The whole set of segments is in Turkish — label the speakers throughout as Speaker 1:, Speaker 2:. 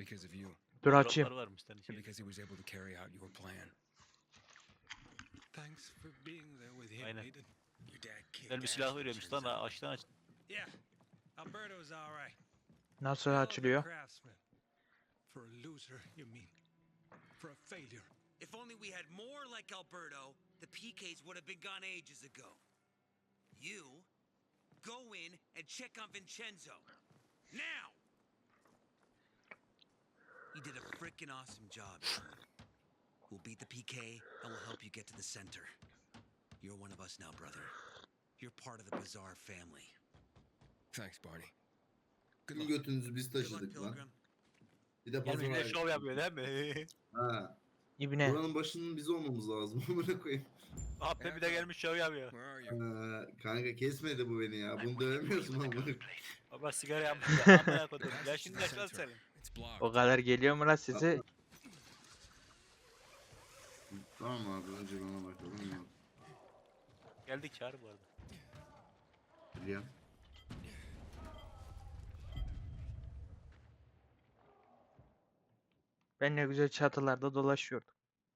Speaker 1: because of you.
Speaker 2: Dur açayım.
Speaker 3: Dropları varmış lan
Speaker 1: And
Speaker 3: içeride.
Speaker 1: because he was able to carry out your plan. Thanks for being there with him,
Speaker 3: Aynen.
Speaker 1: Aiden. Your dad kicked
Speaker 3: Güzel bir
Speaker 1: ass,
Speaker 3: silah
Speaker 1: it
Speaker 3: veriyormuş lan.
Speaker 1: turns out.
Speaker 3: Açtan aç.
Speaker 1: Yeah, Alberto's all right.
Speaker 2: Nasıl
Speaker 1: Hell of a
Speaker 2: açılıyor?
Speaker 1: craftsman. For a loser, you mean? For a failure.
Speaker 4: If only we had more like Alberto, the PKs would have been gone ages ago. You go in and check on Vincenzo. Now! You did a frickin' awesome job. We'll beat the PK and we'll help you get to the center. You're one of us now, brother. You're part of the Bazaar family.
Speaker 1: Thanks, Barney. Good
Speaker 5: Tüm
Speaker 1: luck.
Speaker 5: götünüzü biz
Speaker 4: Good luck,
Speaker 5: taşıdık lan.
Speaker 4: Pilgrim.
Speaker 5: Bir de
Speaker 3: Gelmiş bir de
Speaker 5: pazar
Speaker 3: şov yapıyor değil mi?
Speaker 5: Ha.
Speaker 2: İbne.
Speaker 5: Buranın başının biz olmamız lazım. Amına koyayım.
Speaker 3: Abi bir de gelmiş şov yapıyor.
Speaker 1: Where are you?
Speaker 5: Kanka kesmedi bu beni ya. Bunu dövemiyorsun amına koyayım.
Speaker 3: Baba sigara yapmış ya. Amına koydum. Ya şimdi yaş lan senin.
Speaker 1: It's blocked.
Speaker 2: O kadar geliyor mu lan size?
Speaker 5: Tamam abi önce bana bakalım ya.
Speaker 3: Geldik çağır bu arada.
Speaker 5: Biliyorum.
Speaker 2: Ben ne güzel çatılarda dolaşıyordum.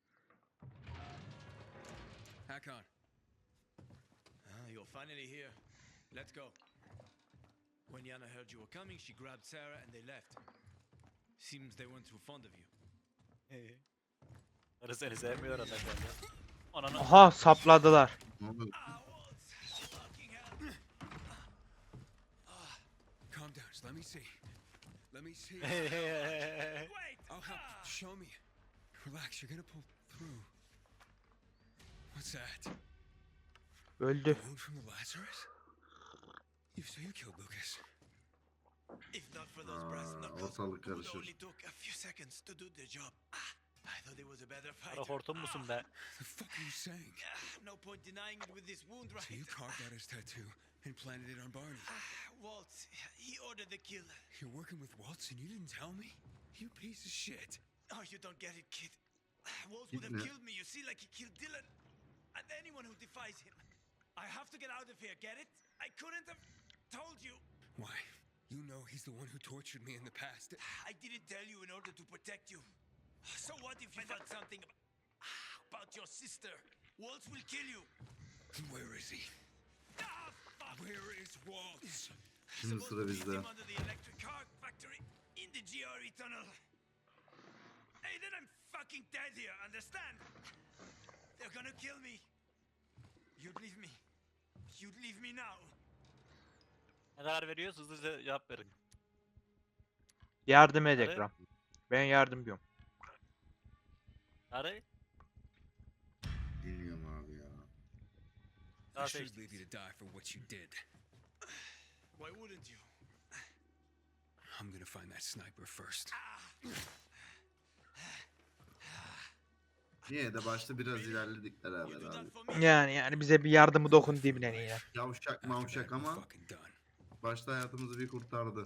Speaker 1: Hakon. You're finally here. Let's go. When Yana heard you were coming, she grabbed Sarah and they left. Seems they weren't too fond of you.
Speaker 3: Karı seni sevmiyor adam benden. Ananı.
Speaker 2: Aha sapladılar.
Speaker 5: Ne oldu?
Speaker 1: Calm down. Just let me see. Let me see. I'll help. Show me. Relax. You're gonna pull through. What's that?
Speaker 2: Öldü.
Speaker 1: Wound from the Lazarus? So you killed Lucas.
Speaker 4: If not for those brass knuckles,
Speaker 5: Ortalık
Speaker 4: it would
Speaker 5: karışır.
Speaker 4: only took a few seconds to do the job. I thought he was a better
Speaker 3: Kara
Speaker 4: fighter.
Speaker 3: hortum musun be?
Speaker 1: The fuck are you saying?
Speaker 4: No point denying it with this wound,
Speaker 1: So you
Speaker 4: right?
Speaker 1: carved out his tattoo and planted it on Barney.
Speaker 4: Waltz, he ordered the kill.
Speaker 1: You're working with Waltz and you didn't tell me? You piece of shit.
Speaker 4: Oh, you don't get it, kid. Waltz would have
Speaker 5: Yeah.
Speaker 4: killed me, you see, like he killed Dylan. And anyone who defies him. I have to get out of here, get it? I couldn't have told you.
Speaker 1: Why? You know he's the one who tortured me in the past.
Speaker 4: I didn't tell you in order to protect you. So what if you found something about your sister? Waltz will kill you.
Speaker 1: Where is he?
Speaker 4: Ah, fuck!
Speaker 1: Where is Waltz?
Speaker 5: Şimdi
Speaker 4: Supposed
Speaker 5: sıra
Speaker 4: to meet
Speaker 5: bizde.
Speaker 4: him under the electric car factory in the GRE tunnel. Hey, then I'm fucking dead here, understand? They're gonna kill me. You'd leave me. You'd leave me now.
Speaker 3: Ne karar veriyoruz? Hızlıca cevap verin.
Speaker 2: Yardım edek
Speaker 3: Hadi.
Speaker 2: lan. Ben yardımcıyım.
Speaker 3: Karı.
Speaker 5: Bilmiyorum abi ya.
Speaker 3: Daha
Speaker 1: I should
Speaker 3: seçtik.
Speaker 1: leave you to die for what you did.
Speaker 4: Why wouldn't you?
Speaker 1: I'm gonna find that sniper first.
Speaker 5: Yine de başta biraz ilerledik
Speaker 4: You
Speaker 5: beraber
Speaker 4: do
Speaker 5: abi.
Speaker 4: that for me?
Speaker 2: Yani bize bir yardımı dokun dibine ya.
Speaker 5: Yavşak
Speaker 1: After that,
Speaker 5: mavşak
Speaker 1: we're
Speaker 5: ama
Speaker 1: fucking done.
Speaker 5: başta hayatımızı bir kurtardı.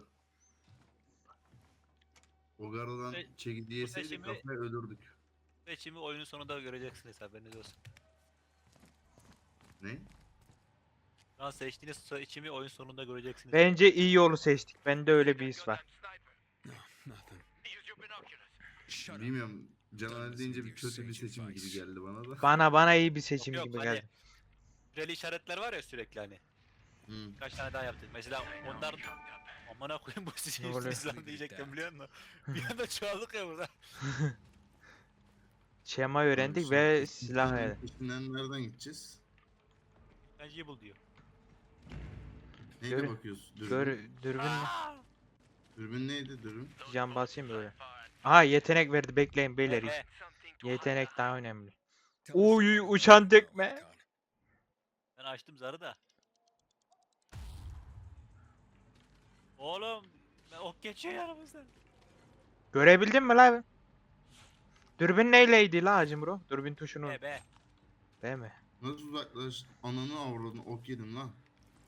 Speaker 5: O garadan
Speaker 3: Şey-
Speaker 5: çekirdeği yeseydik
Speaker 3: seçimi-
Speaker 5: kafaya ölürdük.
Speaker 3: Seçimi oyunun sonunda göreceksiniz haberiniz olsun.
Speaker 5: Ne?
Speaker 3: Şu an seçtiğiniz seçimi oyun sonunda göreceksiniz.
Speaker 2: Bence iyi yolu seçtik. Bende öyle bir his var.
Speaker 1: No, nothing. Shut up.
Speaker 5: Bilmiyorum. Caner deyince bir kötü bir seçim gibi geldi bana da.
Speaker 2: Bana iyi bir seçim
Speaker 3: Yok,
Speaker 2: gibi
Speaker 3: hani-
Speaker 2: geldi.
Speaker 3: Süreli işaretler var ya sürekli hani.
Speaker 5: Hı.
Speaker 3: Kaç tane daha yaptık. Mesela onlar... Amına koyayım bu
Speaker 2: Ne oluyor?
Speaker 3: İslam diyecektim biliyor musun? Bir anda çoğaldık ya burada.
Speaker 2: Şema öğrendik ve silah öğrendik.
Speaker 5: Peşinden nereden gideceğiz?
Speaker 3: Bence Evil diyor.
Speaker 5: Neyle
Speaker 2: Gör-
Speaker 5: bakıyoruz? Dürbün.
Speaker 2: Dürbün mü?
Speaker 5: Dürbün neydi dürbün?
Speaker 2: Can basayım böyle. Aha yetenek verdi, bekleyin beyler.
Speaker 3: Be.
Speaker 2: Yetenek daha önemli.
Speaker 1: Tell me
Speaker 2: Uy
Speaker 1: something
Speaker 2: uçan
Speaker 1: about
Speaker 2: tekme.
Speaker 1: Hakon.
Speaker 3: Ben açtım zarı da. Oğlum. Ok geçiyor yanımızdan.
Speaker 2: Görebildin mi lan? Dürbün neyleydi la hacım bro? Dürbün tuşunu.
Speaker 3: Be.
Speaker 2: Değil mi?
Speaker 5: Nasıl uzaklaş? Ananı avradını ok yedim lan.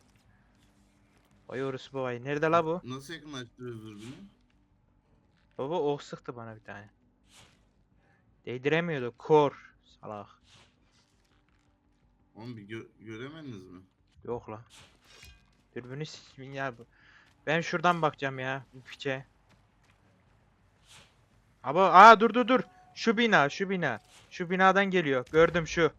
Speaker 2: Vay orası babayı. Nerede la bu?
Speaker 5: Nasıl yakınlaştırıyoruz dürbünü?
Speaker 2: Baba ok sıktı bana bir tane. Değdiremiyordu. Kor. Salak.
Speaker 5: Oğlum bir göremediniz mi?
Speaker 2: Yok la. Dürbünü ya bu. Ben şuradan bakacağım ya. Bu piçe. Dur. Şu bina, şu bina. Şu binadan geliyor. Gördüm şu.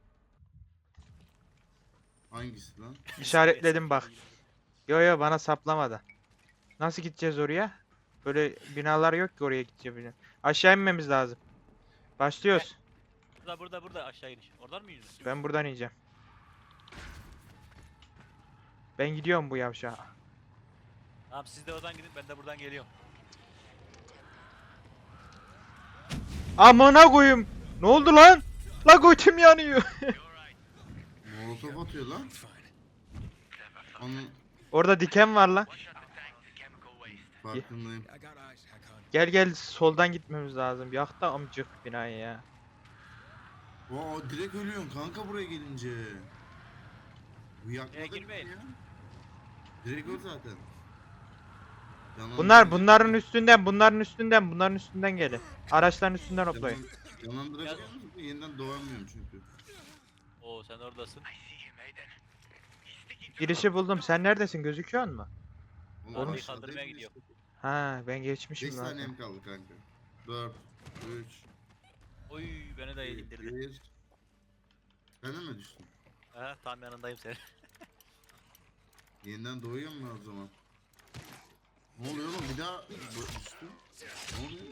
Speaker 5: Hangisi lan?
Speaker 2: İşaretledim bak. Yo bana saplamadı. Nasıl gideceğiz oraya? Böyle binalar yok ki oraya gideceğiz. Aşağı inmemiz lazım. Başlıyoruz.
Speaker 3: Burada aşağı iniş. Oradan mı yürüyorsun?
Speaker 2: Ben buradan ineceğim. Ben gidiyorum bu yavşağa.
Speaker 3: Tamam siz de oradan gidin ben de buradan geliyorum.
Speaker 2: Amına koyayım. Ne oldu lan? La götüm yanıyor.
Speaker 5: Molotof atıyor lan.
Speaker 1: Fine.
Speaker 5: Onun
Speaker 2: Orada diken var lan.
Speaker 5: farkındayım.
Speaker 1: I got eyes, Hakan.
Speaker 2: Gel soldan gitmemiz lazım. Yak da amcık binayı ya.
Speaker 5: Aa direkt ölüyorsun kanka buraya gelince. Bu yakmadı
Speaker 3: girmeyin.
Speaker 5: ya. Direkt öl zaten.
Speaker 2: Bunların üstünden gelin. Araçların üstünden hoplayın.
Speaker 5: Yanandırabiliyor musun? Yeniden doğamıyorum çünkü.
Speaker 3: Oo sen oradasın.
Speaker 2: Girişi buldum. Sen neredesin? Gözüküyor mu?
Speaker 5: Oğlum,
Speaker 3: Arabayı
Speaker 5: aşağıdayım
Speaker 3: kaldırmaya
Speaker 5: biz.
Speaker 3: gidiyorum.
Speaker 2: Ha ben
Speaker 5: 5
Speaker 2: geçmişim lan.
Speaker 5: saniyem kaldı kanka. 4, 3,
Speaker 3: Oy beni de indirdi.
Speaker 5: 1. Ben de mi düştüm?
Speaker 3: Ha tam yanındayım senin.
Speaker 5: Yeniden doğuyor mu o zaman? Ne oluyor oğlum bir daha düştüm. Ne oluyor?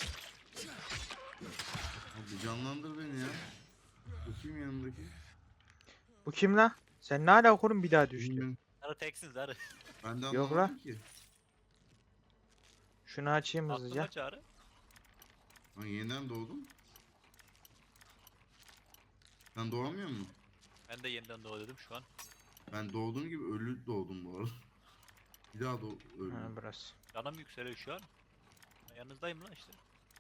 Speaker 5: Abi canlandır beni ya. Bu kim yanındaki?
Speaker 2: Bu kim lan? Sen ne ala okulun bir daha düştü.
Speaker 5: Bilmiyorum.
Speaker 3: Sarı teksin sarı.
Speaker 5: Ben de
Speaker 2: Yok
Speaker 5: anlamadım ki.
Speaker 2: Şunu açayım hızlıca.
Speaker 3: Aklıma çağrı.
Speaker 5: Ben yeniden doğdum. Sen doğamıyor musun?
Speaker 3: Ben de yeniden doğdum şu an.
Speaker 5: Ben doğduğum gibi ölü doğdum bu arada. Bir daha öldüm.
Speaker 2: Ha burası.
Speaker 3: Canım yükseliyor şu an. Ben yanınızdayım lan işte.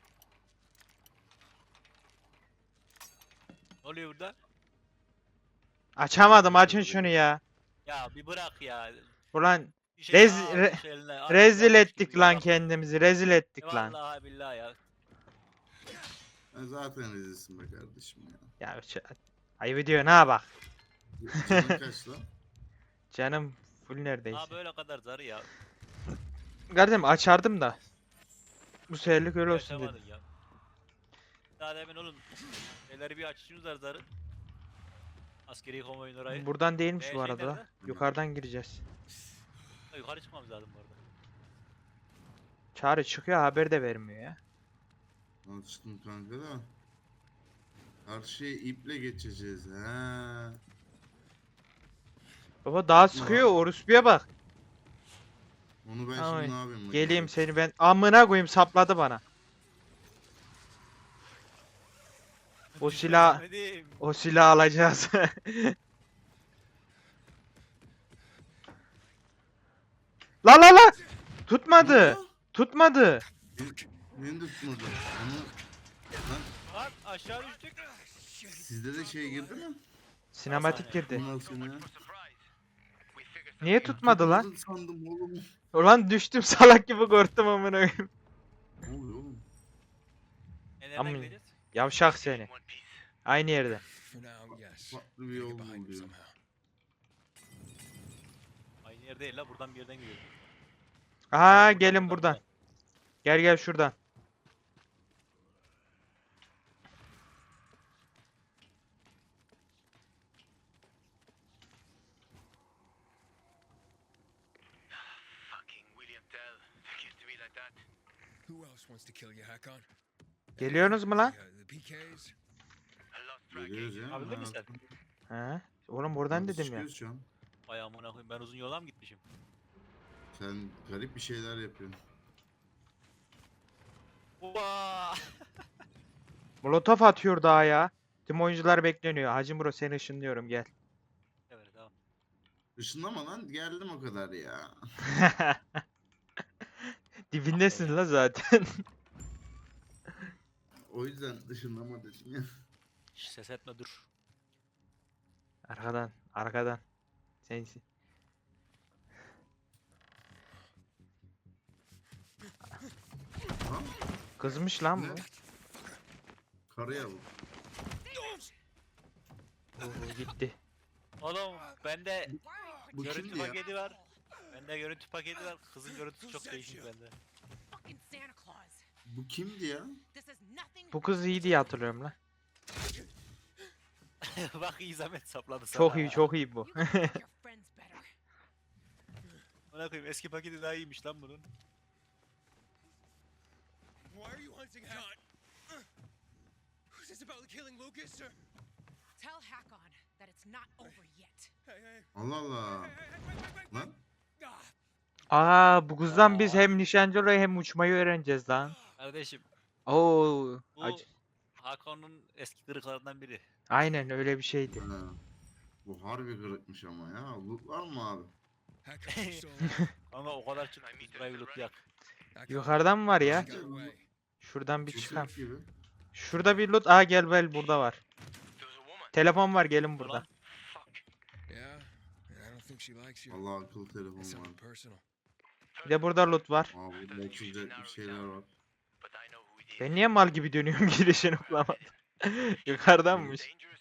Speaker 3: Ne oluyor burada?
Speaker 2: Açamadım açın şunu ya.
Speaker 3: Ya bir bırak ya.
Speaker 2: Ulan
Speaker 3: Bir şey
Speaker 2: Rez-
Speaker 3: daha
Speaker 2: re-
Speaker 3: almış eline, artık
Speaker 2: rezil
Speaker 3: yapmış
Speaker 2: ettik
Speaker 3: gibi
Speaker 2: lan
Speaker 3: ya.
Speaker 2: kendimizi. Rezil ettik lan.
Speaker 3: Vallahi billahi ya.
Speaker 5: Ben zaten rezilsin be kardeşim ya.
Speaker 2: Ya ayıp ediyor ha bak.
Speaker 5: Canın kaç lan?
Speaker 2: Canım full neredeyse.
Speaker 3: Ha böyle kadar zarı ya.
Speaker 2: Kardeşim açardım da. Bu seferlik öyle olsun dedim.
Speaker 3: Yaşamadın ya. Daha demin onun şeyleri bir açışımız var zarı. Askeri konvoyun orayı.
Speaker 2: Buradan değilmiş bu
Speaker 3: Şey
Speaker 2: arada.
Speaker 3: nerede?
Speaker 2: Yukarıdan gireceğiz.
Speaker 3: Ha, yukarı çıkmamız lazım bu arada.
Speaker 2: Çağrı çıkıyor haber de vermiyor ya.
Speaker 5: Açtım kanka da. Karşıya iple geçeceğiz. He.
Speaker 2: Baba daha sıkıyor orospuya bak.
Speaker 5: Onu ben
Speaker 2: Ay,
Speaker 5: şimdi ne yapayım?
Speaker 2: Geleyim seni ben amına koyayım sapladı bana. O silah
Speaker 3: Ahmet'im.
Speaker 2: o silah alacağız. La tutmadı. Tutmadı.
Speaker 5: Beni de tutmadı. Onu... Lan
Speaker 3: Lan aşağı düştük.
Speaker 5: sizde de şey girdi mi?
Speaker 2: Sinematik girdi.
Speaker 5: Bundan sonra.
Speaker 2: Niye tutmadı lan?
Speaker 5: Tutmadın sandım oğlum.
Speaker 2: Ulan düştüm salak gibi korktum amına koyayım.
Speaker 5: Ne oluyor oğlum?
Speaker 3: Nereden
Speaker 2: Amin.
Speaker 3: gideceğiz?
Speaker 2: Yavşak seni. Aynı yerde.
Speaker 1: For now, yes.
Speaker 5: Farklı bir
Speaker 1: Get
Speaker 5: yol
Speaker 1: behind me
Speaker 5: buluyor.
Speaker 1: somehow.
Speaker 3: Aynı yer değil la buradan bir yerden gidiyoruz.
Speaker 2: Aa gelin buradan. Gel şuradan.
Speaker 4: Fucking William Tell. Used to be like that.
Speaker 1: Who else wants to kill you, Hakon?
Speaker 2: Geliyorsunuz mu lan?
Speaker 1: The PKs?
Speaker 4: I lost track.
Speaker 5: Geliyoruz ya.
Speaker 3: Abi değil mi sen?
Speaker 2: He? Oğlum buradan dedim ya.
Speaker 5: Çıkıyoruz şu an.
Speaker 3: Vay amına koyayım ben uzun yola mı gitmişim?
Speaker 5: Sen garip bir şeyler yapıyorsun.
Speaker 3: Oha!
Speaker 2: Molotof atıyor daha ya. Tüm oyuncular bekleniyor. Hacı Bro seni ışınlıyorum gel.
Speaker 3: Evet tamam.
Speaker 5: Işınlama lan geldim o kadar ya.
Speaker 2: Dibindesin la zaten.
Speaker 5: O yüzden ışınlama dedim ya.
Speaker 3: Şş, ses etme dur.
Speaker 2: Arkadan. Sensin.
Speaker 5: Ha?
Speaker 2: Kızmış lan bu.
Speaker 5: Ne? Karıya bu.
Speaker 2: Oo, gitti.
Speaker 3: Oğlum bende
Speaker 5: Bu
Speaker 3: görüntü
Speaker 5: kimdi ya?
Speaker 3: paketi var. Bende görüntü paketi var. Kızın görüntüsü çok değişik bende.
Speaker 6: Fucking Santa Claus.
Speaker 5: Bu kimdi ya?
Speaker 6: This is nothing.
Speaker 2: Bu kız iyi diye hatırlıyorum lan.
Speaker 3: Bak iyi zahmet sapladı sana.
Speaker 2: Çok iyi çok iyi bu.
Speaker 6: You can make your friends better.
Speaker 3: Ona koyayım eski paketi daha iyiymiş lan bunun.
Speaker 4: Why are you hunting Hakon? Is this about killing Lucas or?
Speaker 6: Tell Hakon that it's not over yet.
Speaker 4: Hey, hey,
Speaker 5: Allah Allah.
Speaker 4: wait.
Speaker 5: Lan
Speaker 4: Ah,
Speaker 2: Aa bu kızdan biz hem nişancı olayı hem uçmayı öğreneceğiz lan.
Speaker 3: Kardeşim
Speaker 2: Oo.
Speaker 3: bu Hakan'ın eski kırıklarından biri.
Speaker 2: Aynen öyle bir şeydi.
Speaker 5: ha. Bu harbi kırıkmış ama ya. Loot var mı abi?
Speaker 4: Hakon, you're so
Speaker 3: Ama o kadar çıktı burayı bir loot yak.
Speaker 4: Hakon,
Speaker 2: Yukarıdan mı var ya?
Speaker 4: got away.
Speaker 2: Şuradan bir
Speaker 5: Ceset
Speaker 2: çıkalım.
Speaker 5: gibi.
Speaker 2: Şurada bir loot. Aa gel burada var. Telefon var gelin burada.
Speaker 3: Ulan
Speaker 4: Yeah, and I don't think she likes you.
Speaker 5: Allah akıllı telefon
Speaker 4: It's
Speaker 5: var.
Speaker 4: something personal.
Speaker 2: Bir de burada loot var.
Speaker 5: Aa burada açılacak bir şeyler var.
Speaker 2: Ben niye mal gibi dönüyorum girişini bulamadım. Yukarıdanmış.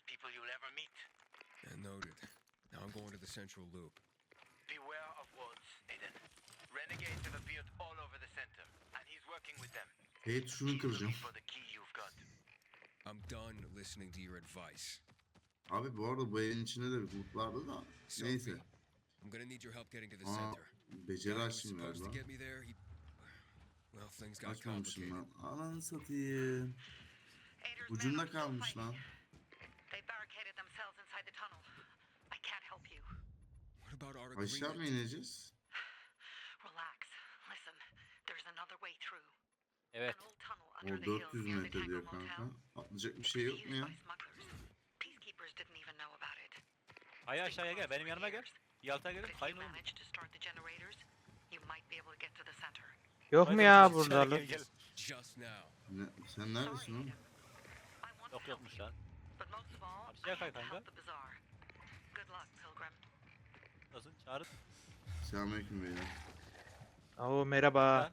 Speaker 4: Yeah, noted. Now I'm going to the central loop.
Speaker 7: Beware of wolves, Aiden. Renegades have appeared all over the center, and he's working with them.
Speaker 5: Hey şunu kıracağım.
Speaker 7: For the key you've got.
Speaker 4: I'm done listening to your advice.
Speaker 5: Abi bu arada bu evin içinde de bir loot vardı da. Neyse.
Speaker 4: Sophie, I'm gonna need your help getting to the
Speaker 5: Aa
Speaker 4: center.
Speaker 5: beceri
Speaker 4: Guy who was
Speaker 5: açtım
Speaker 4: supposed to
Speaker 5: galiba.
Speaker 4: get me there, he... Well, things got
Speaker 5: Açmamışım
Speaker 4: complicated.
Speaker 5: lan. Ananı satayım. Ucunda kalmış lan.
Speaker 6: They barricaded themselves inside the tunnel. I can't help you.
Speaker 4: What about our
Speaker 5: Aşağı mı
Speaker 4: agreement?
Speaker 5: ineceğiz?
Speaker 6: Relax. Listen, there's another way through.
Speaker 3: evet.
Speaker 6: An old tunnel
Speaker 5: O
Speaker 6: under the hills
Speaker 5: 400
Speaker 6: near the
Speaker 5: metre
Speaker 6: Tango
Speaker 5: diyor
Speaker 6: Motel.
Speaker 5: kanka. Atlayacak bir şey yok mu ya?
Speaker 6: Used by smugglers. Peacekeepers didn't even know about it.
Speaker 3: Hayır aşağıya gel benim yanıma gel. Yalta gelin
Speaker 6: If
Speaker 3: kayın
Speaker 6: you
Speaker 3: oğlum.
Speaker 6: manage to start the generators, you might be able to get to the center.
Speaker 2: Yok mu
Speaker 3: Hadi
Speaker 2: ya
Speaker 3: gel,
Speaker 2: burada
Speaker 3: gel,
Speaker 2: loot?
Speaker 3: gel.
Speaker 4: Just now.
Speaker 5: Ne, sen neredesin oğlum?
Speaker 6: I want to
Speaker 3: Yok
Speaker 6: help
Speaker 3: yokmuş
Speaker 6: you,
Speaker 3: lan.
Speaker 6: but most of all,
Speaker 3: Abi şey
Speaker 6: I
Speaker 3: kay
Speaker 6: have to
Speaker 3: kanka.
Speaker 6: help the bazaar. Good luck, Pilgrim.
Speaker 3: Nasıl çağırın.
Speaker 5: Selamünaleyküm beyler.
Speaker 2: Oo merhaba.
Speaker 3: Ha?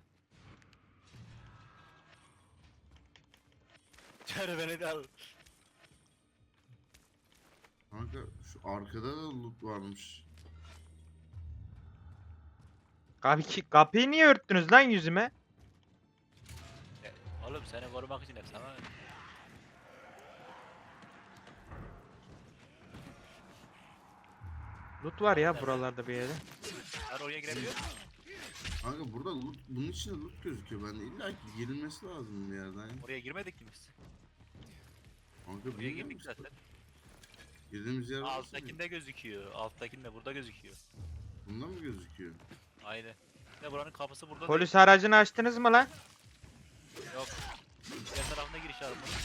Speaker 3: Çağır beni de al.
Speaker 5: Kanka şu arkada da loot varmış.
Speaker 2: Kapıyı niye örttünüz lan yüzüme?
Speaker 3: Oğlum seni korumak için hep sana.
Speaker 2: Loot var ya buralarda bir yerde.
Speaker 3: Ben oraya girebiliyor muyum?
Speaker 5: Kanka burada loot, bunun içinde loot gözüküyor bende. İlla ki girilmesi lazım bir yerden.
Speaker 3: Oraya girmedik ki biz.
Speaker 5: Kanka
Speaker 3: Oraya
Speaker 5: bilmiyor
Speaker 3: girdik
Speaker 5: musun?
Speaker 3: zaten.
Speaker 5: Girdiğimiz yer orası mı?
Speaker 3: Alttakinde gözüküyor. Alttakinde burada gözüküyor.
Speaker 5: Bunda mı gözüküyor?
Speaker 3: Aynen. Ne buranın kapısı burada
Speaker 2: Polis aracını açtınız mı lan?
Speaker 3: değil. Yok. Diğer tarafına giriş var bunun.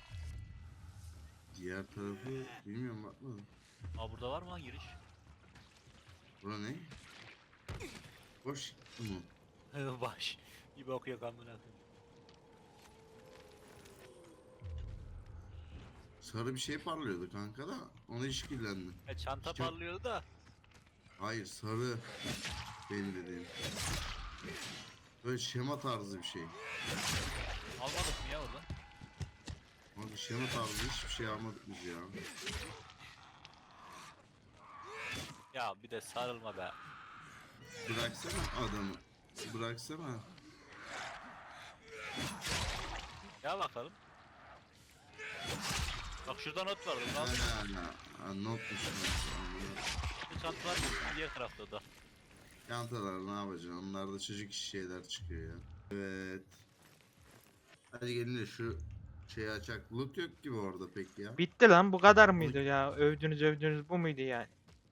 Speaker 5: Diğer tarafı bilmiyorum bakmadım.
Speaker 3: Aa burada var mı lan giriş?
Speaker 5: Bura ne? Boş mu?
Speaker 3: Baş. Bir bakıyor kamına.
Speaker 5: Sarı bir şey parlıyordu kanka da ona işkillendim.
Speaker 3: Çanta
Speaker 5: İşte-
Speaker 3: parlıyordu da.
Speaker 5: Hayır sarı benim dediğim. Böyle şema tarzı bir şey.
Speaker 3: Almadık mı ya oradan?
Speaker 5: Abi şema tarzı hiçbir şey almadık biz ya.
Speaker 3: Ya bir de sarılma be.
Speaker 5: Bıraksana adamı. Bıraksana.
Speaker 3: Ya bakalım. Bak şurada not var. Bunu al.
Speaker 5: Ha, notmuş.
Speaker 3: Bu çantalar mı? Diğer tarafta o da.
Speaker 5: Çantalar ne yapacaksın? Onlarda çocuk işi şeyler çıkıyor ya. Evet. Hadi gelin de şu şeyi açak. Loot yok gibi orada pek ya.
Speaker 2: Bitti lan bu kadar mıydı ya? Övdünüz bu muydu yani?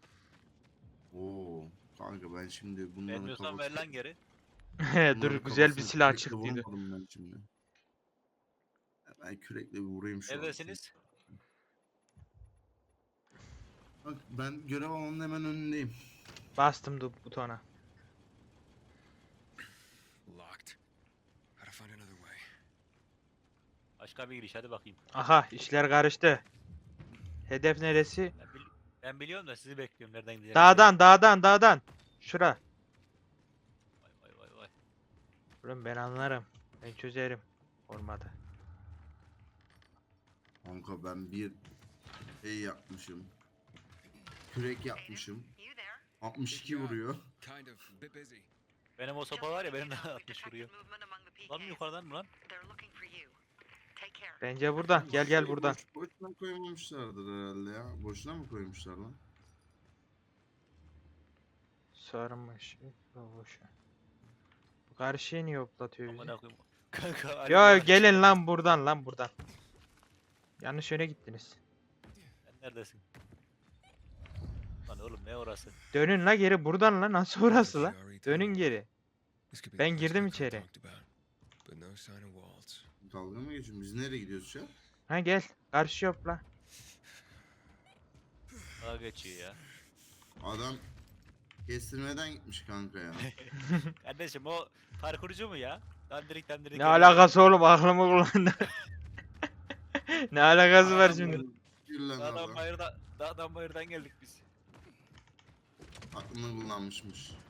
Speaker 5: Oo. Kanka ben şimdi bunların
Speaker 3: Vermiyorsan ver lan geri.
Speaker 2: Dur güzel bir silah çıktıydı.
Speaker 5: Ben şimdi. Ben kürekle bir vurayım şu an.
Speaker 3: Neredesiniz?
Speaker 5: Bak ben görev alanının hemen önündeyim.
Speaker 2: Bastım butona.
Speaker 4: Locked. Gotta find another way.
Speaker 3: Başka bir giriş hadi bakayım.
Speaker 2: Aha işler karıştı. Hedef neresi?
Speaker 3: Ben biliyorum da sizi bekliyorum nereden gideceğim.
Speaker 2: Dağdan. Şura.
Speaker 3: Vay.
Speaker 2: Oğlum ben anlarım. Ben çözerim. Olmadı.
Speaker 5: Kanka ben bir şey yapmışım. Kürek yapmışım.
Speaker 6: You there?
Speaker 5: 62 vuruyor.
Speaker 4: Kind of. Bit busy.
Speaker 3: Benim o sopa var ya benim de 60 vuruyor. Lan mı yukarıdan mı lan?
Speaker 6: They're looking for you. Take care.
Speaker 2: Bence buradan. Gel gel buradan.
Speaker 5: Boşuna koymamışlardır herhalde ya. Boşuna mı koymuşlar lan?
Speaker 2: Sarmış. Boşa. Karşıya niye hoplatıyor bizi?
Speaker 3: Amına koyayım. Kanka.
Speaker 2: Yo
Speaker 3: harbiden
Speaker 2: gelin lan buradan. Yanlış yöne gittiniz.
Speaker 3: Sen neredesin? Lan oğlum ne orası?
Speaker 2: Dönün la geri buradan la nasıl orası la?
Speaker 8: GRE
Speaker 2: Dönün
Speaker 8: tunnel.
Speaker 2: geri.
Speaker 8: This could be
Speaker 2: Ben
Speaker 8: the place
Speaker 2: girdim
Speaker 8: Kakar
Speaker 2: içeri.
Speaker 8: talked about, but no sign of Waltz.
Speaker 5: Dalga mı geçiyorsun? Biz nereye gidiyoruz şu an?
Speaker 2: Ha gel. Karşı hopla.
Speaker 3: Daha geçiyor ya.
Speaker 5: Adam kestirmeden gitmiş kanka ya.
Speaker 3: Kardeşim o parkurcu mu ya? Dandirik
Speaker 2: Ne
Speaker 3: geliyor.
Speaker 2: alakası oğlum aklımı kullandı. Ne alakası var şimdi?
Speaker 5: Gül lan
Speaker 3: Dağdan
Speaker 5: adam.
Speaker 3: bayırdan geldik biz.
Speaker 5: Aklını kullanmışmış.